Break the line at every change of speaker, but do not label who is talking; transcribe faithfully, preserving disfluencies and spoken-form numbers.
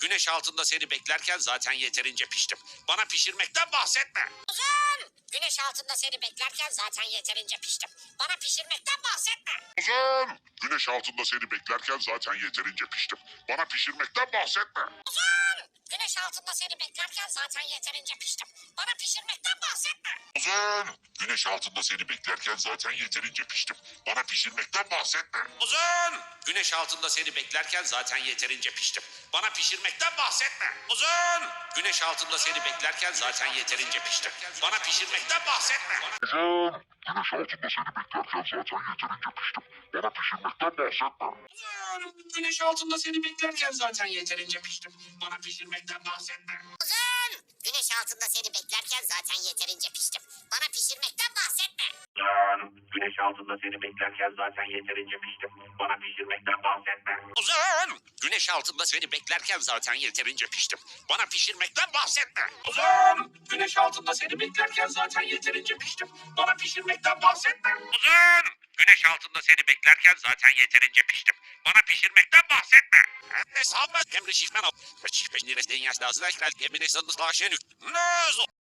güneş altında seni beklerken zaten yeterince piştim. Bana pişirmekten bahsetme.
Uzun! Güneş altında seni beklerken zaten yeterince piştim. Bana pişirmekten bahsetme.
Uzun! Güneş altında seni beklerken zaten yeterince piştim. Bana pişirmekten bahsetme.
Uzun! Güneş altında seni beklerken zaten yeterince piştim. Bana pişirmekten bahsetme.
Uzun! Güneş altında seni beklerken zaten yeterince piştim. Bana pişirmekten bahsetme.
Uzun! Güneş altında seni beklerken zaten yeterince piştim. Bana pişirmekten bahsetme. Uzun! Güneş altında seni beklerken zaten yeterince piştim. Bana pişirmekten bahsetme.
Uzun! Güneş altında seni beklerken zaten yeterince piştim. Bana pişirmekten bahsetme.
Uzun! Güneş altında seni beklerken zaten yeterince piştim. Bana pişirmekten bahsetme.
Uzun! Güneş altında seni beklerken zaten yeterince piştim. Bana pişirmekten bahsetme.
Uzun! Güneş altında seni beklerken zaten yeterince piştim. Bana pişirmekten bahsetme. Uzun! Güneş altında seni beklerken zaten yeterince piştim. Bana pişirmekten bahsetme. Uzun! Güneş altında seni beklerken zaten yeterince piştim. Bana pişirmekten bahsetme. Uzun! Güneş altında seni beklerken zaten yeterince piştim. Bana pişirmekten bahsetme. Hesabı emri şifmen ol. Çift peşin resmen yaşta azrail emri sanız başını. Ne